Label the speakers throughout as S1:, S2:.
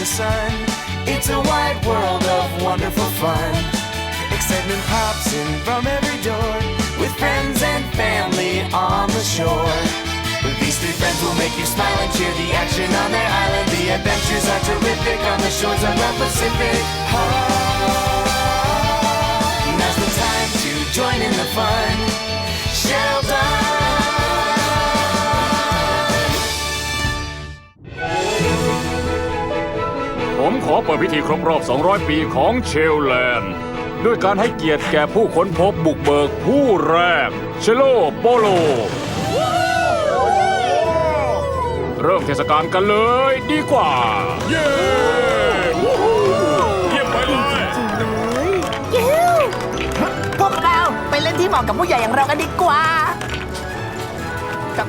S1: the sun. It's a wide world of wonderful fun. Excitement pops in from every door, with friends and family on the shore. These three friends will make you smile and cheer. The action on their island, the adventures are terrific on the shores of the Pacific. Now's the time to join in the fun. Sheldon.
S2: ผมขอเปิดพิธีครบรอบ 200 ปีของเชลแลนด์ด้วยการให้เกียรติแก่ผู้ค้นพบบุกเบิกผู้แรกเชโลโปโลเริ่มเทศกาลกันเลยดีกว่าเย้เยี่ยมไปเลย
S3: พวกเราไปเล่นที่เหมาะกับผู้ใหญ่อย่างเรากันดีกว่ากับ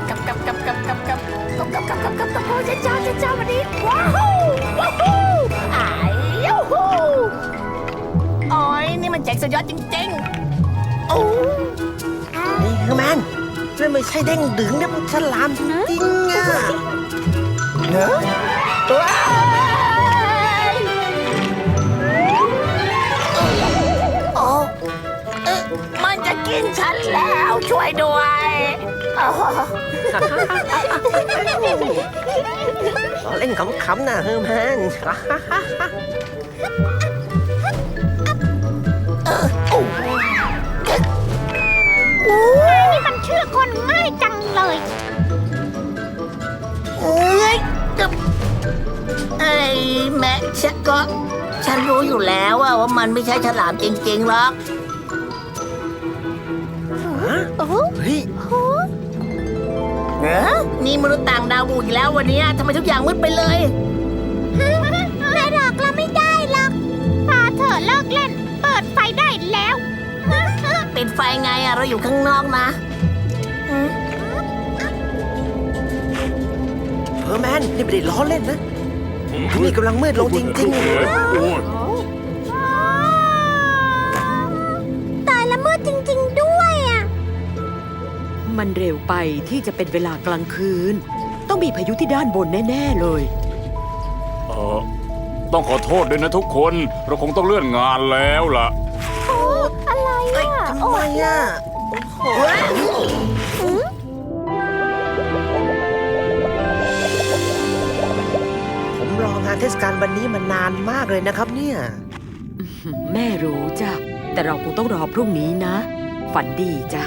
S3: เจ้าวันนี้ว้าวอ้ายยูฮูโอ้ยนี่มันแจ็คสุดยอดจริงๆโอ้
S4: นี่คือแมนนั่นไม่ใช่เด้งดึงนะมันฉลามจริงๆอ่ะเนอะ
S3: โอ้มันจะกินฉันแล้วช่วยด้วย
S4: เล่นขำๆนะเฮอร์แมน
S5: นี่มันเชื่อคนง่ายจังเลย
S3: แม่ฉันรู้อยู่แล้วว่ามันไม่ใช่ฉลามจริงๆหรอก
S4: เฮ้ย
S3: นี่มนุษย์ต่างดาวบุกอีกแล้ววันนี้ทำไมทุกอย่างมืดไปเลย
S5: แม่หลอกเราไม่ได้หรอกพาเธอเลิกเล่นเปิดไฟได้แล้ว
S3: ปิดไฟไงเราอยู่ข้างนอกนะ
S4: เฮอร์แมนนี่ไม่ได้ล้อเล่นนะนี่กำลังมืดลงจริง
S5: ๆตายละมืดจริงๆด้วยอ่ะ
S6: มันเร็วไปที่จะเป็นเวลากลางคืนต้องมีพายุที่ด้านบนแน่ๆเลย
S2: ต้องขอโทษด้วยนะทุกคนเราคงต้องเลื่อนงานแล้วล่ะ
S5: อะไรอ่ะ
S4: ทำไมอ่ะผมรองานเทศกาลวันนี้มานานมากเลยนะครับเนี่ย
S6: แม่รู้จ้ะแต่เราคงต้องรอพรุ่งนี้นะฝันดีจ้ะ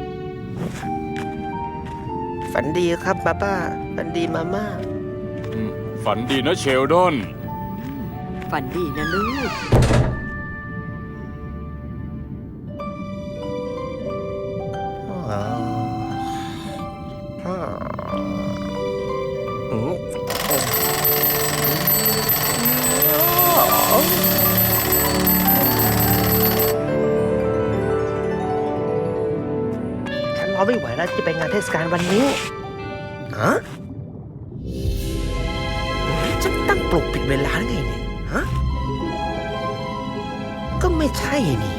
S4: ฝันดีครับป้าฝันดีมาม่า
S2: ฝันดีนะเชลดอน
S6: ฝันดีนะลูก
S4: ฉันรอไม่ไหวแล้วจะไปงานเทศกาลวันนี้ฮะฉันตั้งปลุกผิดเวลาไงเนี่ยฮะก็ไม่ใช่นี่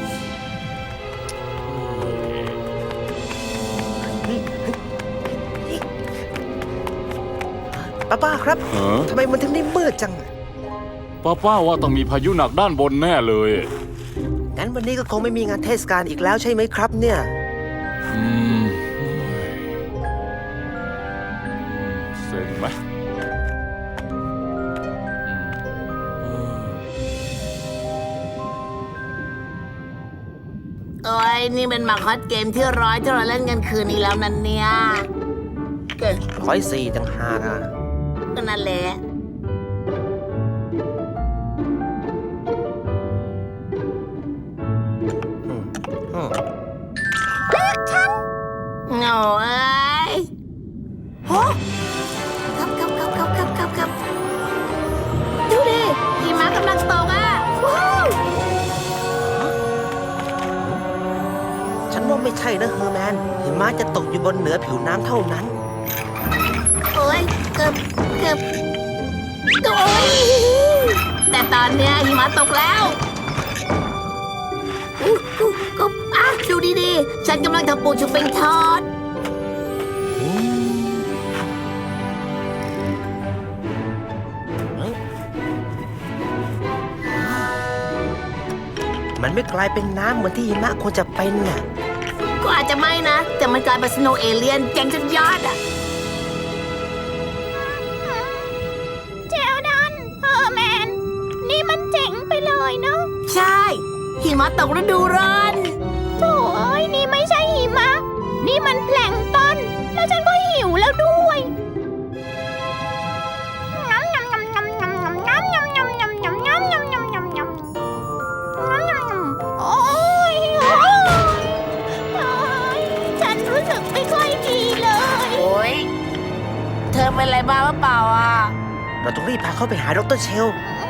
S4: ป้าครับทำไมมันถึงได้มืดจัง
S2: ป้าว่าต้องมีพายุหนักด้านบนแน่เลย
S4: งั้นวันนี้ก็คงไม่มีงานเทศกาลอีกแล้วใช่ไหมครับเนี่ย
S2: เซ็งไหม
S3: โอ้ยนี่เป็นมาคอสเกมที่เราเล่นกันคืนนี้แล้วนั่นเนี่ย
S4: 104ต่างหากอ่ะ
S3: ก็นั่นแหละ
S5: เลือกฉัน
S3: โง่เอ้ยโหครับดูดิหิมะกำลังตกอ่ะว้าว
S4: ฉันว่าไม่ใช่นะเฮอร์แมนหิมะจะตกอยู่บนเหนือผิวน้ำเท่านั้น
S3: โอ้ยเกือบโอ้ยแต่ตอนเนี้ยหิมะตกแล้วดูดีๆฉันกำลังทำปูชุบเป็นทอด
S4: มันไม่กลายเป็นน้ำเหมือนที่หิมะควรจะเป็นน่ะ
S3: ก็อาจจะไม่นะ แต่มันกลายเป็นสโนว์เอเลียนเจ๋งสุดยอดอ่ะ
S5: เจลดันเฮอร์แมน นี่มันเจ๋งไปเลยเนาะ
S3: ใช่หิมะตกฤดูร้อน
S5: โถ่เอ้ยนี่ไม่ใช่หิมะ นี่มันแพลงก์ต้น แล้วฉันก็หิวแล้วด้วยโอ๊ยฉันรู้สึกไม่ค่อยดีเลย
S3: โอ้ยเธอเป็นอะไรบ้างหรือเปล่าอ่ะ
S4: เราต้องรีบพาเขาไปหาดร.เชล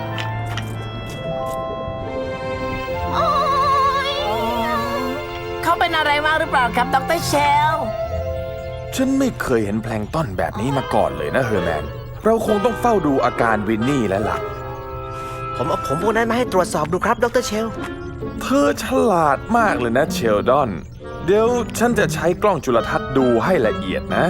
S5: โอ๊ย
S3: เขาเป็นอะไรมากหรือเปล่าครับดร.เชล
S7: ฉันไม่เคยเห็นแพลงก์ต้นแบบนี้มาก่อนเลยนะเฮอร์แมน เราคงต้องเฝ้าดูอาการวินนี่แล้วล่ะ
S4: ผมเอาผมพวกนั้นมาให้ตรวจสอบดูครับดร.เชล
S7: เธอฉลาดมากเลยนะเชลดอน เดี๋ยวฉันจะใช้กล้องจุลทรรศน์ดูให้ละเอียดนะ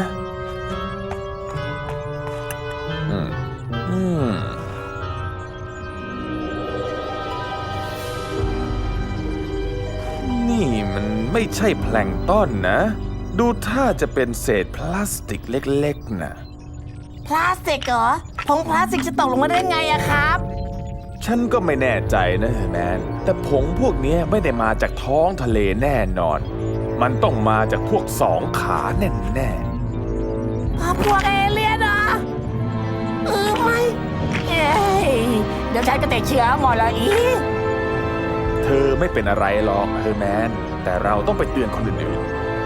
S7: นี่มันไม่ใช่แพลงก์ต้นนะ ดูท่าจะเป็นเศษพลาสติกเล็กๆนะ
S3: พลาสติกเหรอผงพลาสติกจะตกลงมาได้ไงอะครับ
S7: ฉันก็ไม่แน่ใจนะเฮอร์แมน แต่ผงพวกนี้ไม่ได้มาจากท้องทะเลแน่นอน มันต้องมาจากพวกสองขาแน่ๆ
S3: พวกเอเลี่ยนเหรอไม่เอ้ยเดี๋ยวฉันก็ติดเชื้อหมดแล้วอีก
S7: เธอไม่เป็นอะไรหรอกเฮอร์แมน แต่เราต้องไปเตือนคนอื่น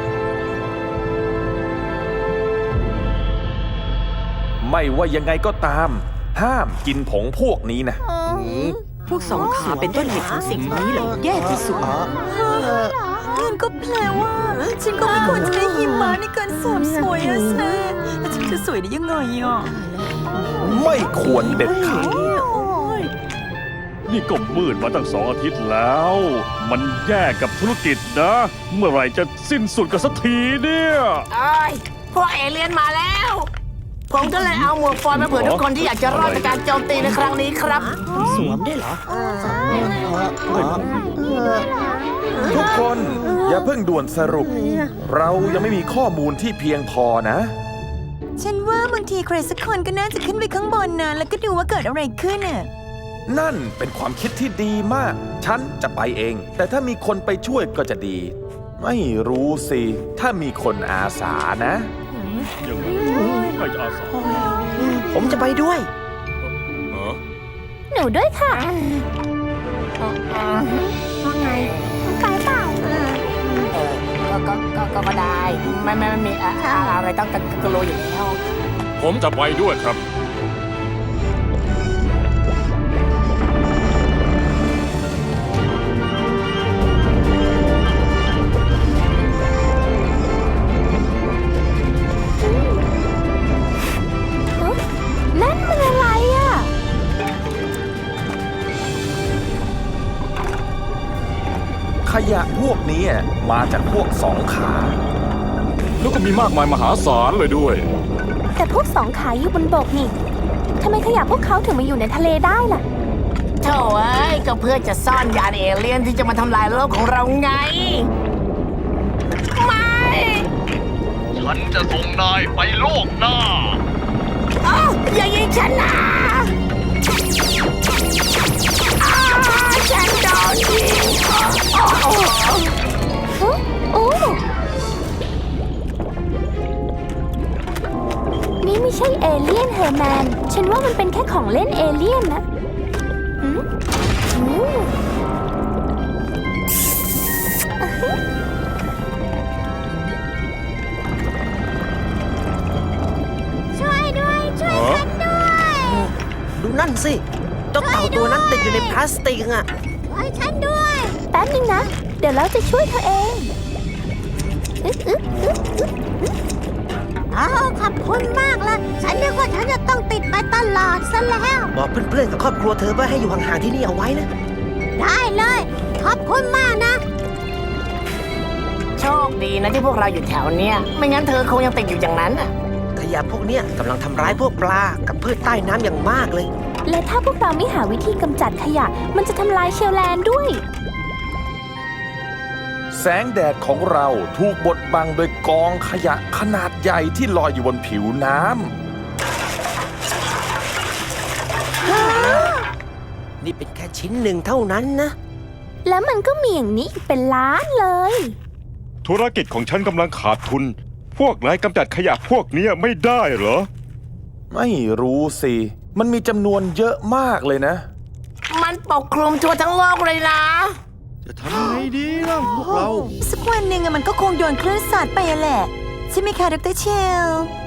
S7: ๆ ไม่ว่ายังไงก็ตาม ห้ามกินผงพวกนี้นะ
S6: พวกสองขาเป็นต้นเหตุของสิ่งนี้เหรอแย่ที่สุด
S8: งั้นก็แปลว่า ฉันก็ไม่ควรจะได้หิมะในการเสริมสวยอะแซ่แล้วฉันจะสวยได้ยังไงอ่ะ
S7: ไม่ควรเด็ดขาด
S2: นี่ก็มืดมาตั้ง2 อาทิตย์แล้ว มันแย่กับธุรกิจนะ เมื่อไหร่จะสิ้นสุดกันสักทีเนี่ย
S3: เอ้ยพวกเอเลี่ยนมาแล้ว ผมก็เลยเอาหมวกฟอยล์มาเผื่อทุกคนที่อยากจะรอดจากการโจมตีในครั้งนี้ครับ
S6: สวมได้เหรอ
S7: ทุกคนอย่าเพิ่งด่วนสรุป เรายังไม่มีข้อมูลที่เพียงพอนะ
S8: ฉันว่าบางทีใครสักคนก็น่าจะขึ้นไปข้างบนนะแล้วก็ดูว่าเกิดอะไรขึ้นน่ะ
S7: นั่นเป็นความคิดที่ดีมาก ฉันจะไปเอง แต่ถ้ามีคนไปช่วยก็จะดี ไม่รู้สิ ถ้ามีคนอาสานะ
S2: ยังไงใครจะอาสา
S4: ผมจะไปด้วย
S5: หนูด้วยค่ะ
S3: ว่าไง
S5: ไปเปล่า
S3: ก็ได้ ไม่มีอะไรต้องกลัวอยู่แล้ว
S2: ผมจะไปด้วยครับ
S5: นั่นมันอะไรอ่ะ
S7: ขยะพวกนี้มาจากพวกสองขา
S2: แล้วก็มีมากมายมหาศาลเลยด้วย
S5: แต่พวกสองขาอยู่บนบกนี่ทำไมขยะพวกเขาถึงมาอยู่ในทะเลได้ล่ะ
S3: โถ่เอ้ยก็เพื่อจะซ่อนยานเอเลี่ยนที่จะมาทำลายโลกของเราไง ไม่
S2: ฉันจะส่งนายไปโลกหน้า
S3: อย่ายิงฉันนะฉันโดนยิง
S5: โอ้ นี่ไม่ใช่เอเลี่ยนเฮอร์แมน ฉันว่ามันเป็นแค่ของเล่นเอเลี่ยนนะช่วยด้วย ช่วยฉันด้วย
S4: ดูนั่นสิเจ้าเต่าตัวนั้นติดอยู่ในพลาสติกอ่ะ
S5: ช่วยฉันด้วย แป๊บนึงนะ เดี๋ยวเราจะช่วยเธอเองขอบคุณมากละฉันนึกว่าฉันจะต้องติดไปตลอดซะแล้ว
S4: บอกเพื่อนๆกับครอบครัวเธอว่าให้อยู่ห่างๆที่นี่เอาไว้นะ
S5: ได้เลย ขอบคุณมากนะ
S3: โชคดีนะที่พวกเราอยู่แถวเนี้ยไม่งั้นเธอคงยังติดอยู่อย่างนั้นน่ะ
S4: ขยะพวกเนี้ยกำลังทำร้ายพวกปลากับพืชใต้น้ำอย่างมากเลย
S5: และถ้าพวกเราไม่หาวิธีกำจัดขยะ มันจะทำลายเชลแลนด์ด้วย
S7: แสงแดดของเราถูกบดบังโดยกองขยะขนาดใหญ่ที่ลอยอยู่บนผิวน้ำ
S4: นี่เป็นแค่ชิ้นหนึ่งเท่านั้นนะ
S5: แล้วมันก็มีอย่างนี้อีกเป็นล้านเลย
S9: ธุรกิจของฉันกำลังขาดทุน พวกนายกำจัดขยะพวกเนี้ยไม่ได้เหรอ
S7: ไม่รู้สิ มันมีจำนวนเยอะมากเลยนะ
S3: มันปกคลุมทั่วทั้งโลกเลยนะ
S10: จะทำไงดีล่ะพวกเรา
S8: สักวันหนึ่งอะมันก็คงโดนคลื่นซัดไปอะแหละ ใช่ไหมคะดรเชล